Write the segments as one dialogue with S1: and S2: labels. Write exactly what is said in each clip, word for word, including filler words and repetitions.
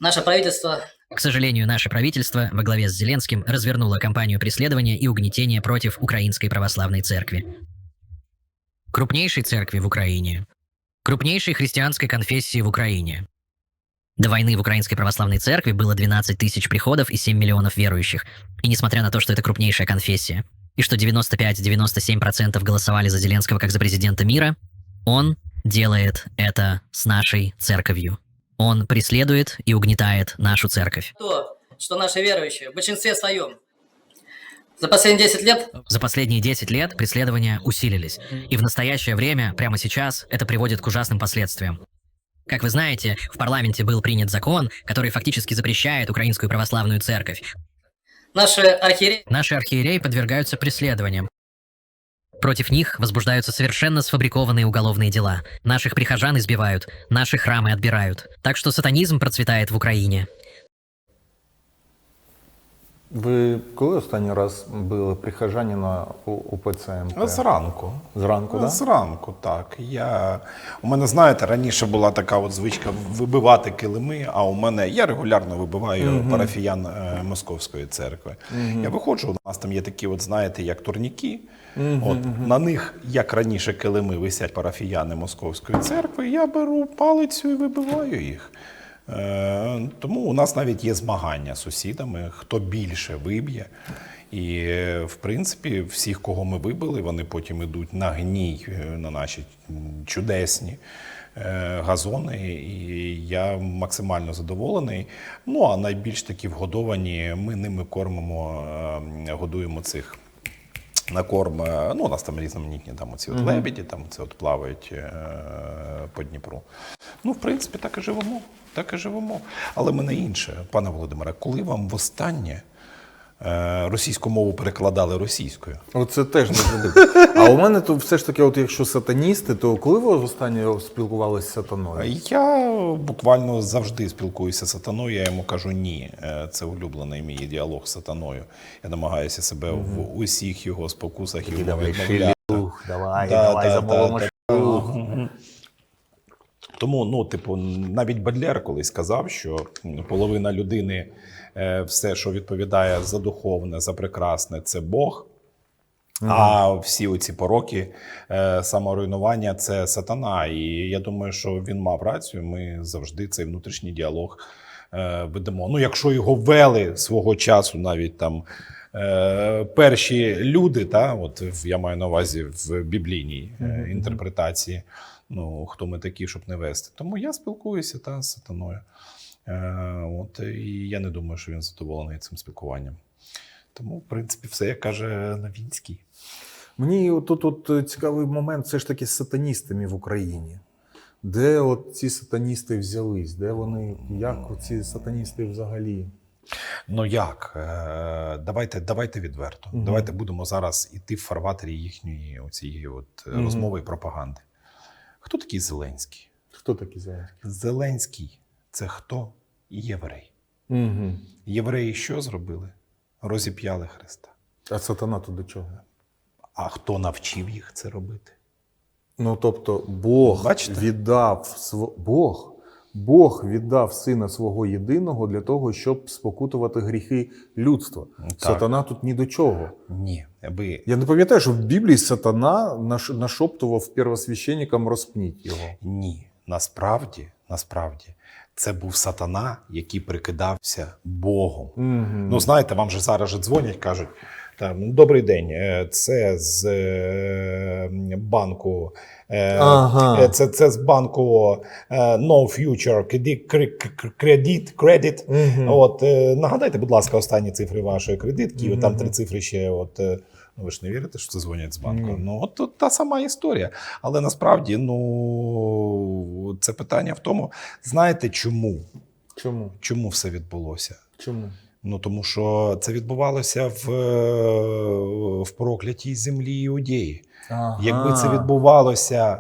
S1: Наше правительство...
S2: К сожалению, наше правительство во главе с Зеленским развернуло кампанию преследования и угнетения против Украинской Православной Церкви. Крупнейшей церкви в Украине. Крупнейшей христианской конфессии в Украине. До войны в Украинской Православной Церкви было двенадцать тысяч приходов и семь миллионов верующих. И несмотря на то, что это крупнейшая конфессия, и что девяносто пять - девяносто семь процентов голосовали за Зеленского как за президента мира, он делает это с нашей церковью. Он преследует и угнетает нашу церковь.
S1: То, что наши верующие в большинстве своем за последние десять лет...
S2: За последние десять лет преследования усилились. И в настоящее время, прямо сейчас, это приводит к ужасным последствиям. Как вы знаете, в парламенте был принят закон, который фактически запрещает Украинскую Православную Церковь.
S1: Наши архиереи...
S2: Наши архиереи подвергаются преследованиям. Против них возбуждаются совершенно сфабрикованные уголовные дела. Наших прихожан избивают, наши храмы отбирают. Так что сатанизм процветает в Україні.
S3: Ви коли останній раз били прихожанина у УПЦ МП?
S4: Зранку.
S3: Зранку, так?
S4: Зранку, так. Я... У мене, знаєте, раніше була така от звичка вибивати килими, а у мене, я регулярно вибиваю mm-hmm. парафіян е, Московської церкви. Mm-hmm. Я виходжу, у нас там є такі, от, знаєте, як турніки. Mm-hmm. От, на них, як раніше килими, висять парафіяни Московської церкви, я беру палицю і вибиваю їх. Е, тому у нас навіть є змагання з сусідами, хто більше виб'є. І, в принципі, всіх, кого ми вибили, вони потім йдуть на гній, на наші чудесні е, газони. І я максимально задоволений. Ну, а найбільш такі вгодовані, ми ними кормимо, е, годуємо цих на корм. Ну, у нас там різноманітні там оці от лебеді, там це от плавають е, по Дніпру. Ну, в принципі, так і живемо. Так і живемо. Але мене інше, пане Володимире, коли вам востаннє е, російську мову перекладали російською?
S3: Оце теж не буде. А у мене то все ж таки, от якщо сатаністи, то коли ви востаннє спілкувалися з сатаною?
S4: Я буквально завжди спілкуюся з сатаною, я йому кажу ні. Це улюблений мій діалог з сатаною. Я намагаюся себе угу. в усіх його спокусах і відмовляти.
S3: Давай,
S4: да,
S3: давай,
S4: да,
S3: замовимо
S4: да,
S3: шлюх.
S4: Тому, ну, типу, навіть Бадлер колись сказав, що половина людини, все, що відповідає за духовне, за прекрасне, це Бог, mm-hmm. а всі оці пороки, саморуйнування – це сатана. І я думаю, що він мав рацію, ми завжди цей внутрішній діалог ведемо. Ну, якщо його вели свого часу навіть там перші люди, та, от я маю на увазі в біблійній mm-hmm. інтерпретації, ну, хто ми такі, щоб не вести. Тому я спілкуюся та, з сатаною. Е, от, і я не думаю, що він задоволений цим спілкуванням. Тому, в принципі, все, як каже Новінський.
S3: Мені тут от цікавий момент все ж таки з сатаністами в Україні. Де от ці сатаністи взялись? Де вони, як ці сатаністи взагалі?
S4: Ну як? Е, давайте, давайте відверто. Mm-hmm. Давайте будемо зараз іти в фарватері їхньої оцієї от mm-hmm. розмови і пропаганди. Хто такий Зеленський?
S3: Хто такий Зеленський?
S4: Зеленський – це хто? Єврей.
S3: Угу.
S4: Євреї що зробили? Розіп'яли Христа.
S3: А сатана тут до чого?
S4: А хто навчив їх це робити?
S3: Ну, тобто, Бог
S4: Бачите?
S3: віддав св... Бог, Бог віддав Сина Свого Єдиного для того, щоб спокутувати гріхи людства. Так. Сатана тут ні до чого.
S4: Ні. Ви...
S3: Я не пам'ятаю, що в Біблії сатана наш... нашоптував первосвященникам розпніть його.
S4: Ні. Насправді, насправді, це був сатана, який прикидався Богом. Угу. Ну, знаєте, вам же зараз же дзвонять, кажуть, там, добрий день, це з банку, ага. це, це з банку No Future Credit, credit. Угу. От, нагадайте, будь ласка, останні цифри вашої кредитки, угу. там три цифри ще, от, ну, ви ж не вірите, що це дзвонять з банку? Угу. Ну, от, от та сама історія. Але насправді, ну, це питання в тому, знаєте чому?
S3: Чому?
S4: Чому все відбулося?
S3: Чому?
S4: Ну, тому що це відбувалося в, в проклятій землі Іудеї. Ага. Якби це відбувалося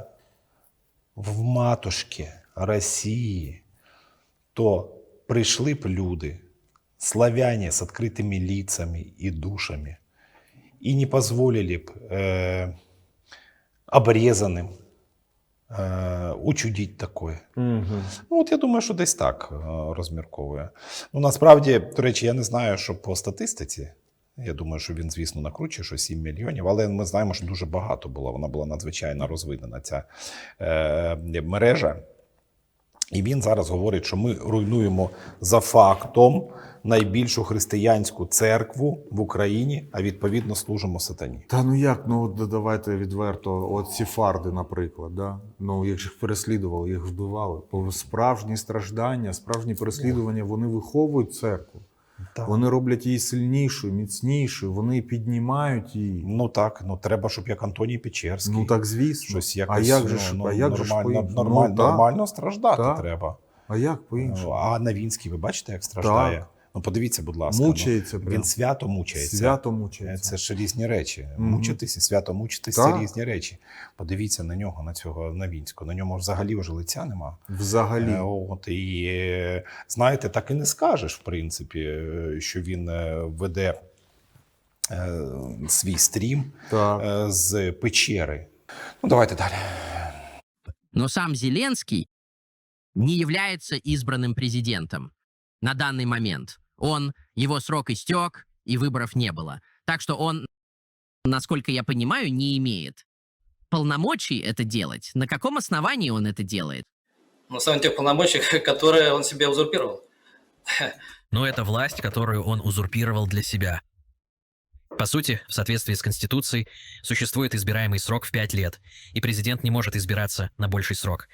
S4: в матушці Росії, то прийшли б люди, славяне з відкритими лицами і душами, і не дозволили б е, обрезаним е, учудіть таке.
S3: Угу.
S4: Ну, от я думаю, що десь так е, розмірковує. Ну, насправді, до речі, я не знаю, що по статистиці. Я думаю, що він, звісно, накручує, що сім мільйонів, але ми знаємо, що дуже багато було. Вона була надзвичайно розвинена, ця е, мережа. І він зараз говорить, що ми руйнуємо за фактом найбільшу християнську церкву в Україні, а відповідно служимо сатані.
S3: Та ну як, ну от давайте відверто, от сефарди, наприклад, да? Ну їх же переслідували, їх вбивали. Бо справжні страждання, справжні переслідування, вони виховують церкву.
S4: Так.
S3: Вони роблять її сильнішою, міцнішою, вони піднімають її.
S4: Ну так, ну треба, щоб як Антоній Печерський.
S3: Ну так, звісно.
S4: Щось якось,
S3: а як же ж,
S4: ну,
S3: а як же ж
S4: нормально,
S3: по-іншому?
S4: нормально,
S3: Ну, так.
S4: нормально страждати
S3: Так.
S4: треба.
S3: А як по-іншому?
S4: А Навінський, ви бачите, як страждає?
S3: Так.
S4: Ну подивіться, будь ласка.
S3: Мучається
S4: ну,
S3: прям.
S4: він свято мучається.
S3: Свято мучається.
S4: Це ж різні речі.
S3: Мгм.
S4: Мучитися, свято мучитися
S3: Так.
S4: це різні речі. Подивіться на нього, на цього Навінського. На ньому взагалі вже лиця нема.
S3: Взагалі.
S4: Е, От, і е, знаєте, так і не скажеш, в принципі, е, що він е, веде е, свій стрім
S3: Так.
S4: е, з печери. Ну, давайте далі.
S5: Но сам Зеленский не является избранным президентом на данный момент. Он, его срок истек, и выборов не было. Так что он, насколько я понимаю, не имеет полномочий это делать. На каком основании он это делает?
S1: На самом тех полномочий, которые он себе узурпировал.
S2: Но это власть, которую он узурпировал для себя. По сути, в соответствии с Конституцией, существует избираемый срок в пять лет, и президент не может избираться на больший срок.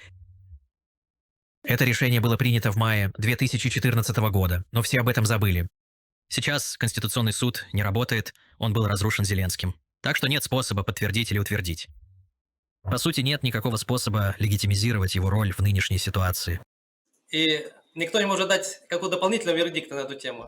S2: Это решение было принято в мае две тысячи четырнадцатого года, но все об этом забыли. Сейчас Конституционный суд не работает, он был разрушен Зеленским. Так что нет способа подтвердить или утвердить. По сути, нет никакого способа легитимизировать его роль в нынешней ситуации.
S1: И никто не может дать какого дополнительного вердикта на эту тему.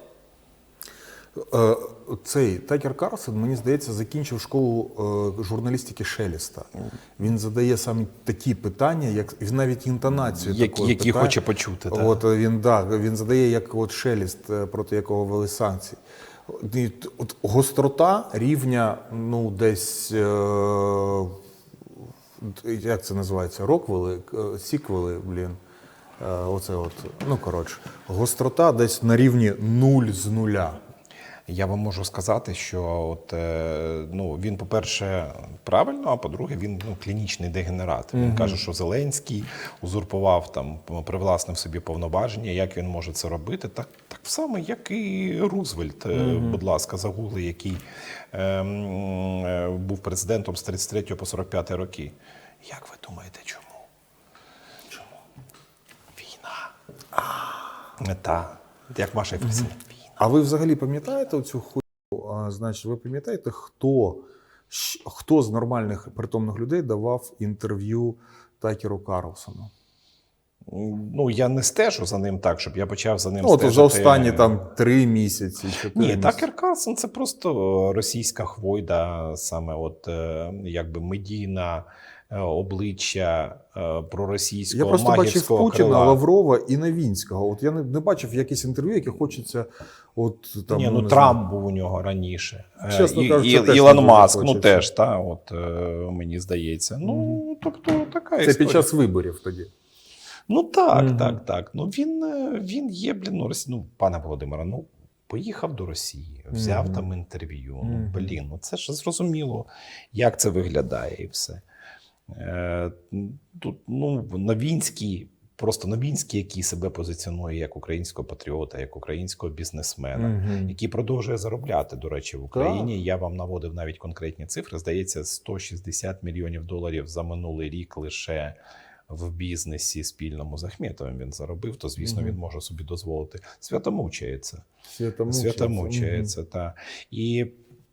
S3: Е, Цей Такер Карлсон, мені здається, закінчив школу е, журналістики Шелеста. Він задає саме такі питання, як він навіть інтонацію
S4: Як,
S3: такої
S4: які
S3: питає.
S4: хоче почути. Так?
S3: От е, він да, він задає як от Шелест, е, проти якого ввели санкції. І т- От гострота рівня, ну десь е, як це називається? Роквели, е, сіквели, блін. Е, Оце от, ну коротше, гострота десь на рівні нуль з нуля.
S4: Я вам можу сказати, що от, е, ну, він, по-перше, правильно, а по-друге, він ну, клінічний дегенерат. Він каже, що Зеленський узурпував, там, привласнив собі повноваження. Як він може це робити? Так, так само, як і Рузвельт, е, будь ласка, загугли, який е, м, е, був президентом з тридцять третього по сорок п'ятий роки. Як ви думаєте, чому? Чому? Війна. А, та, як Маша Ефесень.
S3: А ви взагалі пам'ятаєте оцю хуйню? А, значить, ви пам'ятаєте, хто, щ- хто з нормальних притомних людей давав інтерв'ю Такеру Карлсону?
S4: Ну, я не стежу за ним так, щоб я почав за ним
S3: Ну, от
S4: стежити.
S3: за останні там три місяці, чотири
S4: Ні,
S3: місяці.
S4: Такер Карлсон – це просто російська хвойда, саме от е, якби медійна е, обличчя е, проросійського
S3: Я просто бачив
S4: магівського
S3: Путіна,
S4: крила.
S3: Лаврова і Навінського. От я не, не бачив якісь інтерв'ю, які хочеться от там.
S4: Ні, ну
S3: не
S4: Трамп
S3: знаю.
S4: був у нього раніше. Е,
S3: Чесно
S4: і,
S3: кажучи,
S4: і,
S3: теж не
S4: Ілон
S3: дуже
S4: Маск, ну
S3: хочеться.
S4: теж, та, от, е, мені здається. Ну, тобто, така
S3: Це
S4: історія.
S3: під час виборів тоді.
S4: Ну так,
S3: Мгм.
S4: так, так. Ну він, е, він є, блін, ну, Росі... ну, пане Володимире, ну поїхав до Росії, взяв
S3: Мгм.
S4: там інтерв'ю. Ну,
S3: Мгм.
S4: блін, ну це ж зрозуміло, як це виглядає і все. Е, тут, ну, Новінський, просто Новінський, який себе позиціонує як українського патріота, як українського бізнесмена,
S3: Мгм.
S4: який продовжує заробляти, до речі, в Україні. Я вам наводив навіть конкретні цифри. Здається, сто шістдесят мільйонів доларів за минулий рік лише в бізнесі спільному з Ахметовим він заробив, то, звісно,
S3: Мгм.
S4: він може собі дозволити. Святомучається.
S3: Святомучається.
S4: Святомучається, так. І,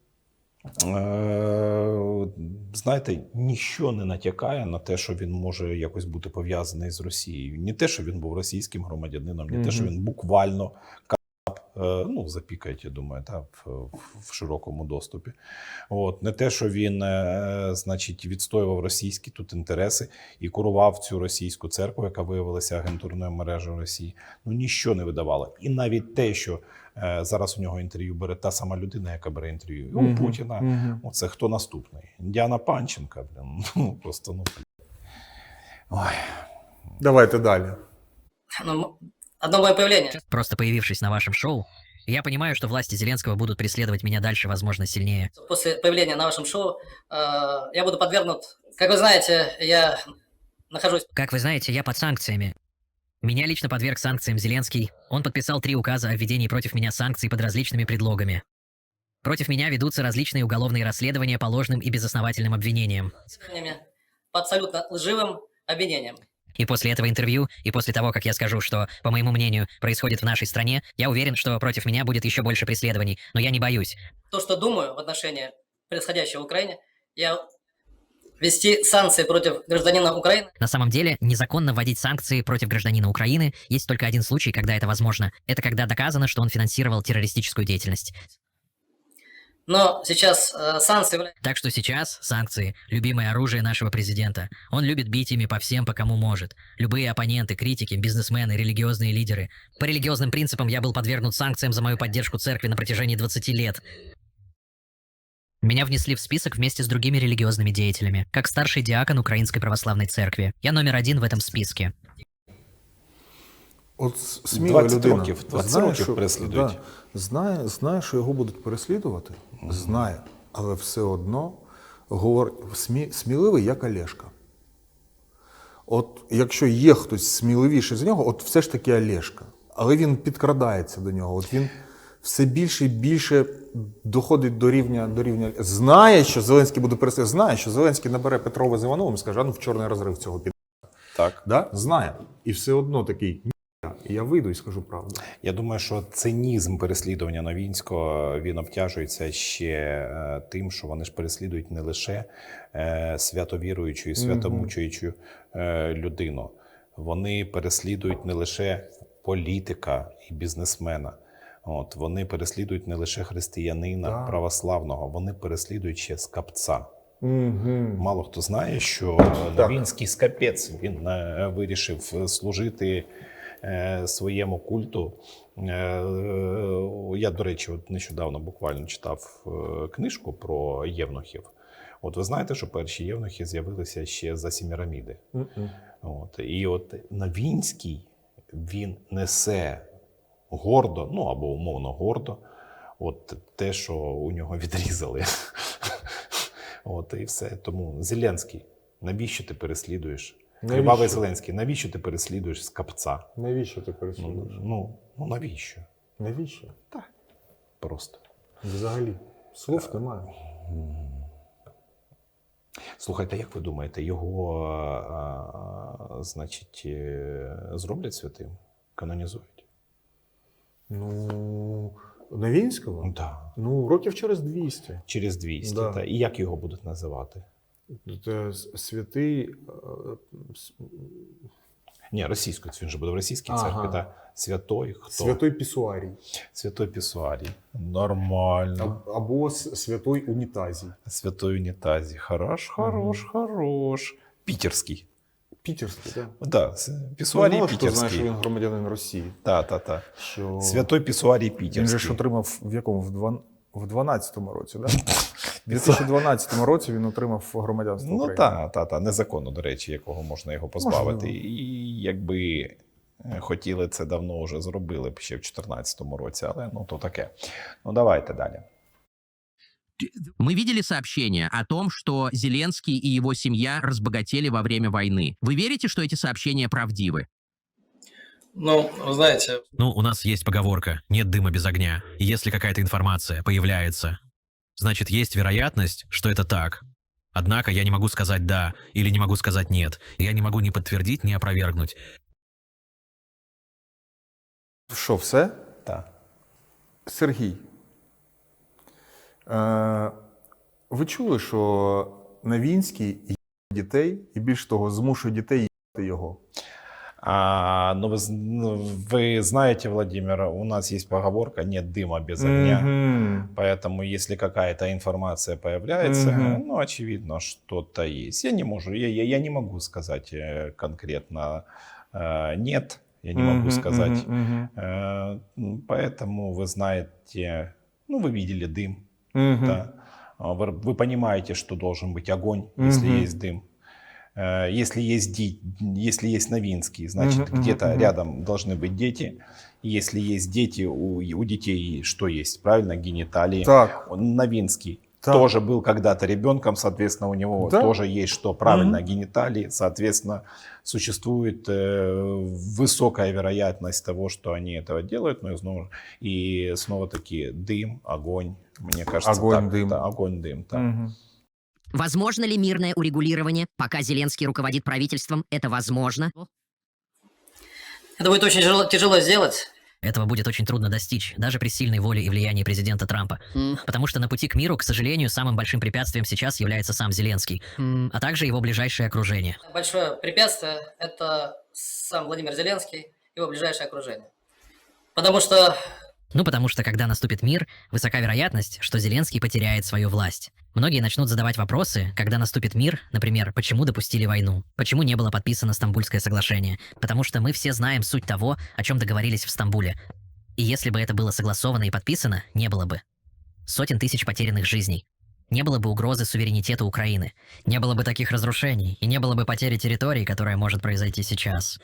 S4: е, знаєте, ніщо не натякає на те, що він може якось бути пов'язаний з Росією. Не те, що він був російським громадянином, не те, що
S3: Мгм.
S4: він буквально е, ну, запікають, я думаю, та, в, в широкому доступі. От. Не те, що він е, значить, відстоював російські тут інтереси і курував цю російську церкву, яка виявилася агентурною мережею Росії. Ну, ніщо не видавало. І навіть те, що е, зараз у нього інтерв'ю бере та сама людина, яка бере інтерв'ю і у
S3: Мгм.
S4: Путіна.
S3: Мгм.
S4: Оце хто наступний? Діана Панченка, блін. Ну, просто, ну, Ой.
S3: Давайте далі.
S1: Ну, одно мое появление.
S2: Просто появившись на вашем шоу, я понимаю, что власти Зеленского будут преследовать меня дальше, возможно, сильнее.
S1: После появления на вашем шоу э, я буду подвергнут, как вы знаете, я нахожусь...
S2: Как вы знаете, я под санкциями. Меня лично подверг санкциям Зеленский. Он подписал три указа о введении против меня санкций под различными предлогами. Против меня ведутся различные уголовные расследования по ложным и безосновательным обвинениям.
S1: по абсолютно лживым обвинениям.
S2: И после этого интервью, и после того, как я скажу, что, по моему мнению, происходит в нашей стране, я уверен, что против меня будет еще больше преследований, но я не боюсь.
S1: То, что думаю в отношении происходящего в Украине, я ввести санкции против гражданина Украины.
S2: На самом деле, незаконно вводить санкции против гражданина Украины есть только один случай, когда это возможно. Это когда доказано, что он финансировал террористическую деятельность.
S1: Но сейчас э, санкции являются...
S2: Так что сейчас санкции – любимое оружие нашего президента. Он любит бить ими по всем, по кому может. Любые оппоненты, критики, бизнесмены, религиозные лидеры. По религиозным принципам я был подвергнут санкциям за мою поддержку церкви на протяжении двадцати лет. Меня внесли в список вместе с другими религиозными деятелями, как старший диакон Украинской Православной Церкви. Я номер один в этом списке.
S3: От сміла
S4: двадцять
S3: людина.
S4: років, двадцять
S3: знає,
S4: років
S3: що-
S4: переслідують.
S3: да, знає, знає, що його будуть переслідувати, знає, але все одно говор... смі... сміливий як Олешка. От якщо є хтось сміливіший за нього, от все ж таки Олешка. Але він підкрадається до нього. От він все більше і більше доходить до рівня, до рівня. Знає, що Зеленський буде переслідувати, знає, що Зеленський набере Петрова з Івановим і скаже, а ну в чорний розрив цього під.
S4: Так.
S3: Да? Знає. І все одно такий, ні, я вийду і скажу правду.
S4: Я думаю, що цинізм переслідування Новінського, він обтяжується ще е, тим, що вони ж переслідують не лише е, святовіруючу і святомучуючу е, людину. Вони переслідують не лише політика і бізнесмена. От, вони переслідують не лише християнина
S3: Так.
S4: православного, вони переслідують ще скапця.
S3: Угу.
S4: Мало хто знає, що Новінський скапець, він е, вирішив служити е, своєму культу. Е, я, до речі, от нещодавно буквально читав е, книжку про євнухів. От ви знаєте, що перші євнухи з'явилися ще за Сіміраміди. От, і от Новінський, він несе гордо, ну або умовно гордо, от те, що у нього відрізали. От і все. Тому Зеленський, навіщо ти переслідуєш? Кривавий Зеленський, навіщо ти переслідуєш скапця?
S3: Навіщо ти
S4: Ну,
S3: переслідуєш?
S4: ну, ну навіщо?
S3: Навіщо?
S4: Просто.
S3: Взагалі. Слов немає.
S4: Слухайте, як ви думаєте, його, а, а, значить, е, зроблять святим? Канонізують?
S3: Ну, Новінського?
S4: Так.
S3: Ну, років через двісті.
S4: Через двісті.
S3: Да.
S4: Та. І як його будуть називати?
S3: Це святий. е, с-
S4: Ні, російською, він же буде в російській
S3: Ага.
S4: церкві. Та. Святой хто?
S3: Святой Пісуарій.
S4: Святой Пісуарій. Нормально.
S3: А- Або с- Святой Унітазій.
S4: Святой унітазі. Хорош, хорош, хорош. Пітерський.
S3: Пітерський, так?
S4: Да, Пісуарій
S3: Мало хто знає, що
S4: Пітерський.
S3: він громадянин Росії.
S4: Та, та, та.
S3: Що...
S4: Святой Пісуарій
S3: Він же
S4: Пітерський.
S3: ж отримав в якому? В дван- в дванадцятому році, так? У дві тисячі дванадцятому році він отримав громадянство
S4: Ну
S3: України.
S4: так, та, та, незаконно, до речі, якого можна його позбавити.
S3: Можливо.
S4: І якби хотіли, це давно вже зробили б ще в чотирнадцятому році, але ну то таке. Ну давайте далі.
S5: Мы видели сообщения о том, что Зеленский и его семья разбогатели во время войны. Вы верите, что эти сообщения правдивы?
S1: Ну, вы знаете,
S6: Ну, у нас есть поговорка «нет дыма без огня». И если какая-то информация появляется, значит, есть вероятность, что это так. Однако я не могу сказать «да» или не могу сказать «нет». Я не могу ни подтвердить, ни опровергнуть.
S3: Що, все?
S4: Так.
S3: Сергій, е, ви чули, що Новінський є дітей, і більш того, змушує дітей їсти його?
S4: А, ну, вы, з- ну, вы знаете, Владимир, у нас есть поговорка «нет дыма без огня».
S3: Мгм.
S4: Поэтому, если какая-то информация появляется,
S3: Мгм.
S4: ну, очевидно, что-то есть. Я не могу, я, я, я не могу сказать э, конкретно э, «нет», я не могу
S3: Мгм,
S4: сказать.
S3: мгм, мгм.
S4: Э, м, Поэтому вы знаете, ну, вы видели дым,
S3: Мгм.
S4: да. А Вы, вы понимаете, что должен быть огонь, если
S3: Мгм.
S4: есть дым. Э, Если есть, ди- если есть Новинский, значит,
S3: Мгм, мгм,
S4: где-то
S3: мгм.
S4: рядом должны быть дети. Если есть дети, у, у детей что есть? Правильно, гениталии.
S3: Так.
S4: Он Новинский
S3: Так.
S4: тоже был когда-то ребенком, соответственно, у него
S3: Да.
S4: тоже есть что? Правильно,
S3: Мгм.
S4: гениталии. Соответственно, существует э, высокая вероятность того, что они этого делают. Но и снова, и снова таки дым, огонь. Мне кажется,
S3: Огонь,
S4: так.
S3: дым.
S4: Да, огонь, дым. Так.
S3: Мгм.
S7: Возможно ли мирное урегулирование, пока Зеленский руководит правительством? Это возможно.
S1: Это будет очень тяжело, тяжело сделать.
S2: Этого будет очень трудно достичь, даже при сильной воле и влиянии президента Трампа.
S1: М.
S2: Потому что на пути к миру, к сожалению, самым большим препятствием сейчас является сам Зеленский,
S1: М.
S2: а также его ближайшее окружение.
S1: Большое препятствие – это сам Владимир Зеленский, его ближайшее окружение. Потому что
S2: Ну, потому что когда наступит мир, высока вероятность, что Зеленский потеряет свою власть. Многие начнут задавать вопросы, когда наступит мир, например, почему допустили войну, почему не было подписано Стамбульское соглашение, потому что мы все знаем суть того, о чем договорились в Стамбуле. И если бы это было согласовано и подписано, не было бы сотен тысяч потерянных жизней. Не было бы угрозы суверенитету Украины, не было бы таких разрушений, и не было бы потери территорий, которая может произойти сейчас.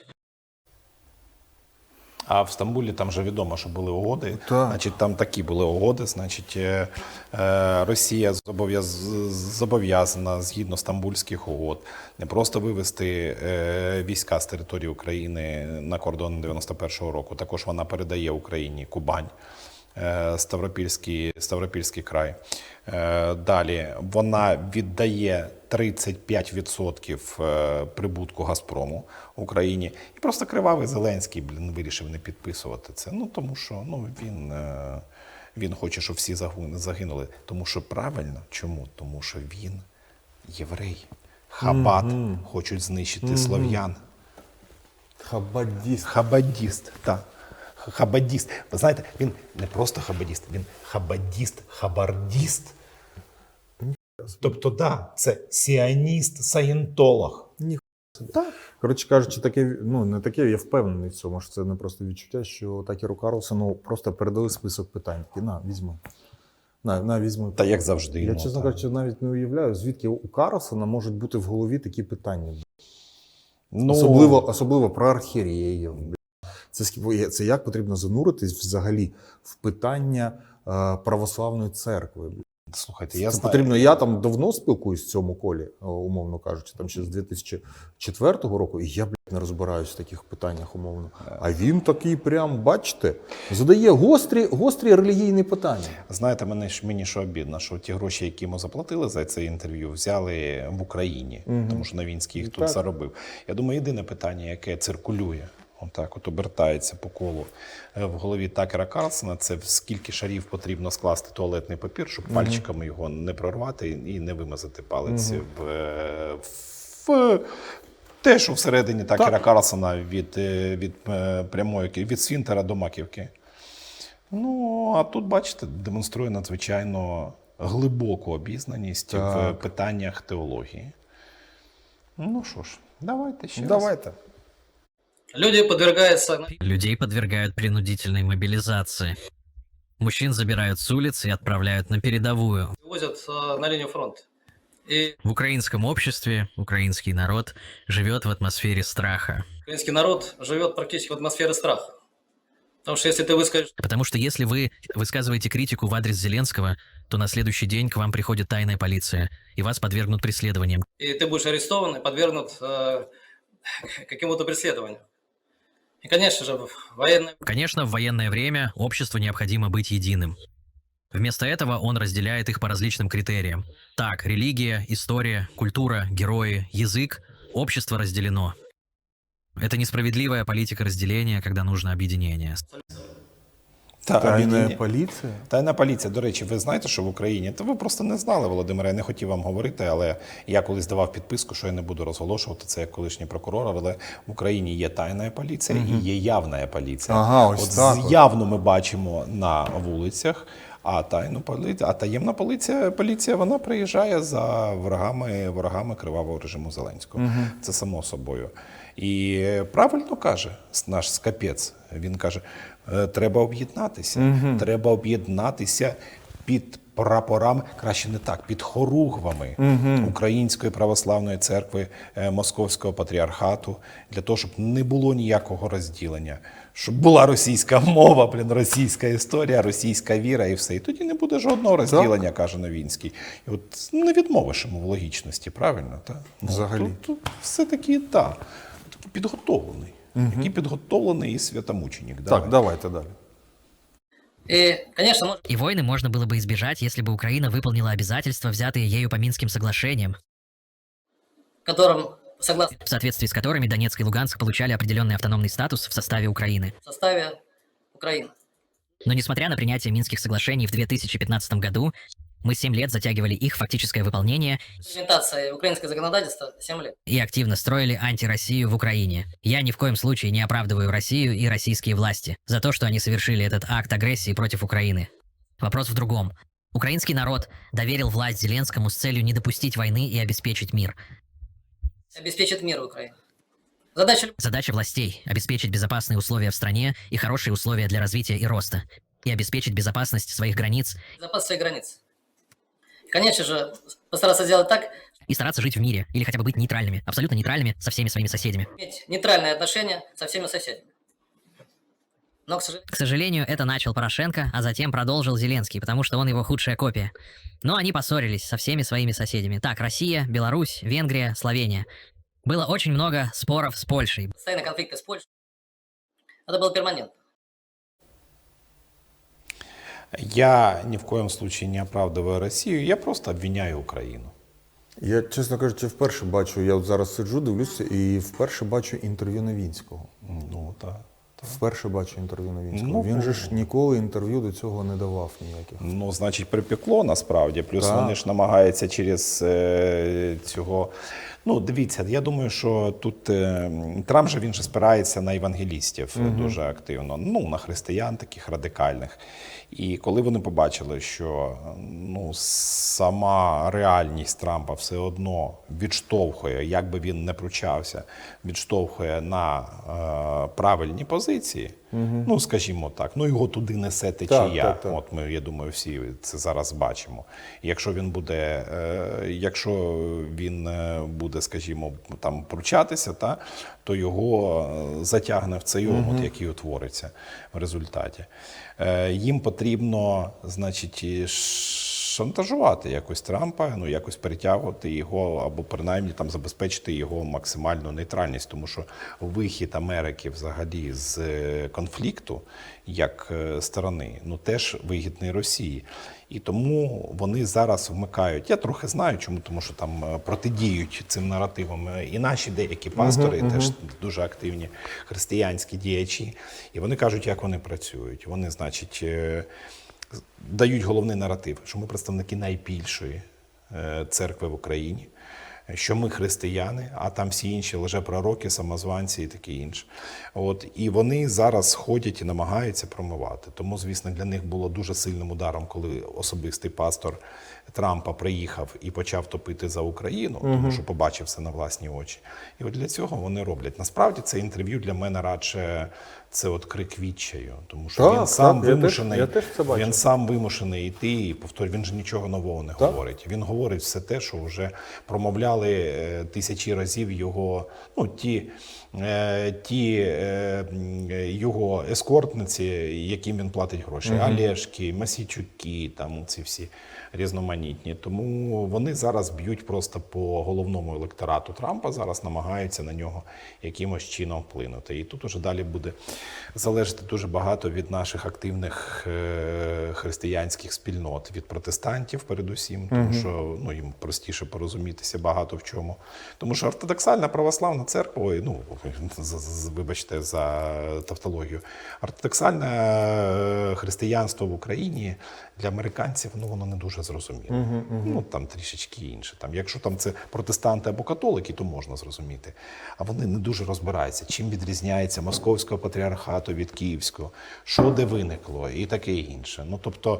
S4: А в Стамбулі там же відомо, що були угоди.
S3: Так.
S4: Значить, там такі були угоди. Значить, е, е, Росія зобов'яз, зобов'язана згідно стамбульських угод не просто вивести е, війська з території України на кордон дев'яносто першого року. Також вона передає Україні Кубань, е, Ставропільський, Ставропільський край. Е, Далі вона віддає тридцять п'ять відсотків е, прибутку Газпрому Україні. І просто кривавий Зеленський, блін, вирішив не підписувати це. Ну, тому що ну, він, е, він хоче, щоб всі загу- загинули. Тому що правильно. Чому? Тому що він єврей. Хабат хочуть знищити слов'ян.
S3: Хабадіст.
S4: Хабадіст, так. Хабадіст. Ви знаєте, він не просто хабадіст, він хабадіст, хабардіст. Тобто, да, це сіаніст, саєнтолог.
S3: Коротше кажучи, таке, ну не таке, я впевнений в цьому, що це не просто відчуття, що Такеру Карлсону просто передали список питань. Такі, на, візьми. На, на, візьми.
S4: Та як завжди.
S3: Я,
S4: ну,
S3: чесно
S4: та.
S3: кажучи, навіть не уявляю, звідки у Карлсона можуть бути в голові такі питання.
S4: Ну,
S3: Особливо, особливо про архієреїв. Це, ск- це як потрібно зануритись взагалі в питання е, православної церкви.
S4: Слухайте, я
S3: Це
S4: знаю.
S3: потрібно. Я там давно спілкуюсь в цьому колі, о, умовно кажучи, там ще з дві тисячі четвертого року, і я, блядь, не розбираюсь в таких питаннях умовно. А він такий прям, бачите, задає гострі, гострі релігійні питання.
S4: Знаєте, мені, ж- мені що обідно, що ті гроші, які йому заплатили за це інтерв'ю, взяли в Україні,
S3: Мгм.
S4: тому що Новінський їх
S3: Так.
S4: тут заробив. Я думаю, єдине питання, яке циркулює, отак от обертається по колу е, в голові Такера Карлсона, це в скільки шарів потрібно скласти туалетний папір, щоб пальчиками його не прорвати і не вимазати палець в, е, в те, що всередині Такера Карлсона від, е, від е, прямої ки- від Сфінтера до маківки. Ну, а тут, бачите, демонструє надзвичайно глибоку обізнаність в
S3: Так.
S4: питаннях теології. Ну що ж, давайте ще раз.
S3: Давайте.
S1: люди подвергаются
S2: Людей подвергают принудительной мобилизации. Мужчин забирают с улиц и отправляют на передовую.
S1: возят э, на линию фронта. И
S2: В украинском обществе украинский народ живет в атмосфере страха.
S1: украинский народ живет практически в атмосфере страха. Потому что если ты выскажешь
S2: Потому что если вы высказываете критику в адрес Зеленского, то на следующий день к вам приходит тайная полиция, и вас подвергнут преследованиям.
S1: и ты будешь арестован и подвергнут э, какому-то преследованию. И, конечно же, в военное
S2: Конечно, в военное время обществу необходимо быть единым. Вместо этого он разделяет их по различным критериям. Так, религия, история, культура, герои, язык, общество разделено. Это несправедливая политика разделения, когда нужно объединение.
S4: Та,
S3: Тайна
S4: об'єднання.
S3: поліція.
S4: Тайна поліція. До речі, ви знаєте, що в Україні? Та ви просто не знали, Володимире, я не хотів вам говорити, але я колись давав підписку, що я не буду розголошувати це як колишній прокурор, але в Україні є тайна поліція і є явна поліція.
S3: Ага, ось
S4: от
S3: так
S4: з-
S3: от.
S4: явно ми бачимо на вулицях, а тайну поліцію, а таємна поліція, поліція вона приїжджає за ворогами, ворогами кривавого режиму Зеленського. Це само собою. І правильно каже наш скапець. Він каже, «Е, треба об'єднатися. Треба об'єднатися під прапорами, краще не так, під хоругвами Української православної церкви е, Московського патріархату, для того, щоб не було ніякого розділення, щоб була російська мова, блін, російська історія, російська віра і все. І тоді не буде жодного розділення, каже Новінський. І от не відмовиш йому в логічності, правильно? Та? Ну,
S3: Взагалі.
S4: Тут, тут все-таки так, такий підготовлений. Який підготовлений і святомученик.
S3: Так, давайте далі.
S1: И, конечно, может
S2: И войны можно было бы избежать, если бы Украина выполнила обязательства, взятые ею по Минским соглашениям,
S1: которым, согласно
S2: в соответствии с которыми Донецк и Луганск получали определенный автономный статус в составе Украины.
S1: в составе Украины.
S2: Но несмотря на принятие Минских соглашений в две тысячи пятнадцатом году, мы семь лет затягивали их фактическое выполнение
S1: Имплементация украинского законодательства семь лет.
S2: и активно строили антироссию в Украине. Я ни в коем случае не оправдываю Россию и российские власти за то, что они совершили этот акт агрессии против Украины. Вопрос в другом. Украинский народ доверил власть Зеленскому с целью не допустить войны и обеспечить мир.
S1: Обеспечит мир Украины. Задача
S2: Задача властей – обеспечить безопасные условия в стране и хорошие условия для развития и роста, и обеспечить безопасность своих границ,
S1: безопасности своих границ. Конечно же, постараться сделать так,
S2: и стараться жить в мире, или хотя бы быть нейтральными, абсолютно нейтральными со всеми своими соседями.
S1: иметь нейтральные отношения со всеми соседями. Но, к сожалению,
S2: К сожалению, это начал Порошенко, а затем продолжил Зеленский, потому что он его худшая копия. Но они поссорились со всеми своими соседями. Так, Россия, Беларусь, Венгрия, Словения. Было очень много споров с Польшей.
S1: постоянные конфликты с Польшей, это был перманент.
S4: Я ні в коєму случае не оправдываю Росію, я просто обвиняю Україну.
S3: Я, чесно кажучи, вперше бачу, я от зараз сиджу, дивлюся, і вперше бачу інтерв'ю Новінського.
S4: Ну, так.
S3: Вперше бачу інтерв'ю Новінського.
S4: Ну,
S3: Він же ж ніколи інтерв'ю до цього не давав ніяких.
S4: Ну, значить, припекло насправді. Плюс
S3: Так.
S4: вони ж намагаються через е, цього. Ну, дивіться, я думаю, що тут е, Трамп же він же спирається на евангелістів
S3: Мгм.
S4: дуже активно, ну, на християн таких радикальних. І коли вони побачили, що ну, сама реальність Трампа все одно відштовхує, як би він не пручався, відштовхує на е, правильні позиції, ну, скажімо так, ну його туди несе течія.
S3: так, так.
S4: От ми, я думаю, всі це зараз бачимо. І якщо він буде, е, якщо він е, буде, скажімо, там пручатися, та, то його е, затягне в цей омут, який утвориться в результаті. Е, їм потрібно, значить, і шантажувати якось Трампа, ну якось перетягувати його, або принаймні там забезпечити його максимальну нейтральність, тому що вихід Америки взагалі з е, конфлікту як е, сторони, ну теж вигідний Росії. І тому вони зараз вмикають. Я трохи знаю, чому, тому що там е, протидіють цим наративам е, і наші деякі пастори, теж дуже активні християнські діячі. І вони кажуть, як вони працюють. Вони, значить, е, дають головний наратив, що ми представники найбільшої е, церкви в Україні, що ми християни, а там всі інші лжепророки, самозванці і таке інше. От, і вони зараз ходять і намагаються промивати. Тому, звісно, для них було дуже сильним ударом, коли особистий пастор Трампа приїхав і почав топити за Україну, тому що побачив це на власні очі. І от для цього вони роблять. Насправді це інтерв'ю для мене радше це от крик відчаю, тому що
S3: Так,
S4: він сам
S3: так, я
S4: вимушений,
S3: теж- я теж це бачу.
S4: він сам вимушений йти і повторюю, він же нічого нового не
S3: Так.
S4: говорить. Він говорить все те, що вже промовляли е, тисячі разів його, ну ті, е, ті е, м, його ескортниці, яким він платить гроші, Олешки, Масійчуки, там ці всі різноманітні. Тому вони зараз б'ють просто по головному електорату Трампа, зараз намагаються на нього якимось чином вплинути. І тут уже далі буде залежати дуже багато від наших активних е, християнських спільнот, від протестантів передусім, тому що ну, їм простіше порозумітися багато в чому. Тому що ортодоксальна православна церква, ой, ну, з- з- вибачте за тавтологію, ортодоксальне е, християнство в Україні для американців, ну, воно не дуже зрозуміло. Ну, там трішечки інше. Там, якщо там це протестанти або католики, то можна зрозуміти. А вони не дуже розбираються, чим відрізняється московського патріархату від київського, що де виникло і таке інше. Ну, тобто,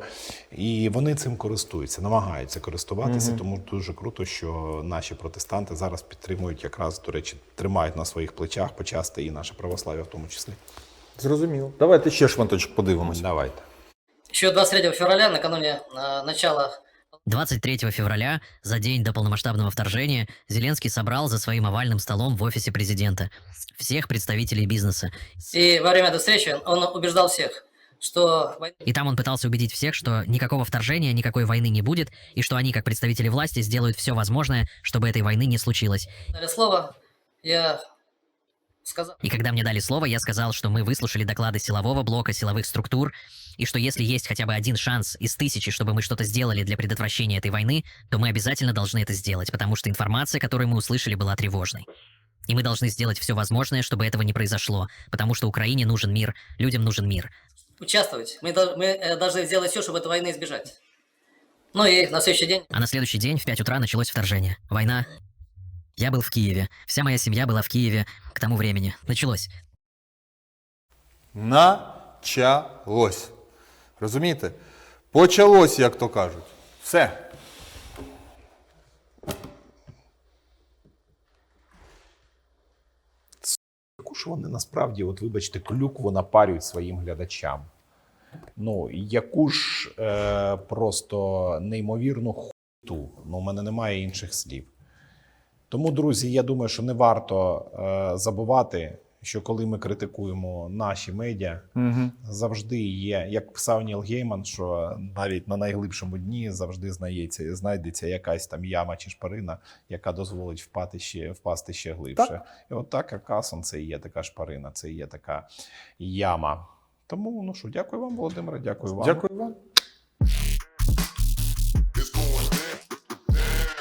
S4: і вони цим користуються, намагаються користуватися, тому дуже круто, що наші протестанти зараз підтримують, якраз, до речі, тримають на своїх плечах почасти і наше православ'я в тому числі.
S3: Зрозуміло. Давайте ще шматочок подивимося.
S4: Давайте.
S1: Еще двадцать третьего февраля, накануне э, начала
S2: двадцать третьего февраля, за день до полномасштабного вторжения, Зеленский собрал за своим овальным столом в офисе президента всех представителей бизнеса.
S1: и во время этой встречи он убеждал всех, что война
S2: И там он пытался убедить всех, что никакого вторжения, никакой войны не будет, и что они, как представители власти, сделают все возможное, чтобы этой войны не случилось.
S1: дали слово, я сказал,
S2: И когда мне дали слово, я сказал, что мы выслушали доклады силового блока, силовых структур, и что если есть хотя бы один шанс из тысячи, чтобы мы что-то сделали для предотвращения этой войны, то мы обязательно должны это сделать, потому что информация, которую мы услышали, была тревожной. И мы должны сделать все возможное, чтобы этого не произошло, потому что Украине нужен мир, людям нужен мир.
S1: участвовать. Мы, дол- мы э, должны сделать все, чтобы этой войны избежать. Ну и на следующий день
S2: А на следующий день в пять утра началось вторжение. Война. Я был в Киеве. Вся моя семья была в Киеве к тому времени. Началось.
S3: Началось. Розумієте? Почалось, як то кажуть. Все.
S4: Яку ж вони насправді, от вибачте, клюкву напарюють своїм глядачам. Ну, яку ж е, просто неймовірну хуйту. Ну, у мене немає інших слів. Тому, друзі, я думаю, що не варто е, забувати, що коли ми критикуємо наші медіа,
S3: Угу.
S4: завжди є, як писав Ніл Гейман, що навіть на найглибшому дні завжди знайдеться, знайдеться якась там яма чи шпарина, яка дозволить впасти ще, впасти ще глибше.
S3: Так.
S4: І от так Акасон це і є така шпарина, це і є така яма. Тому, ну що, дякую вам, Володимире, дякую вам.
S3: Дякую вам.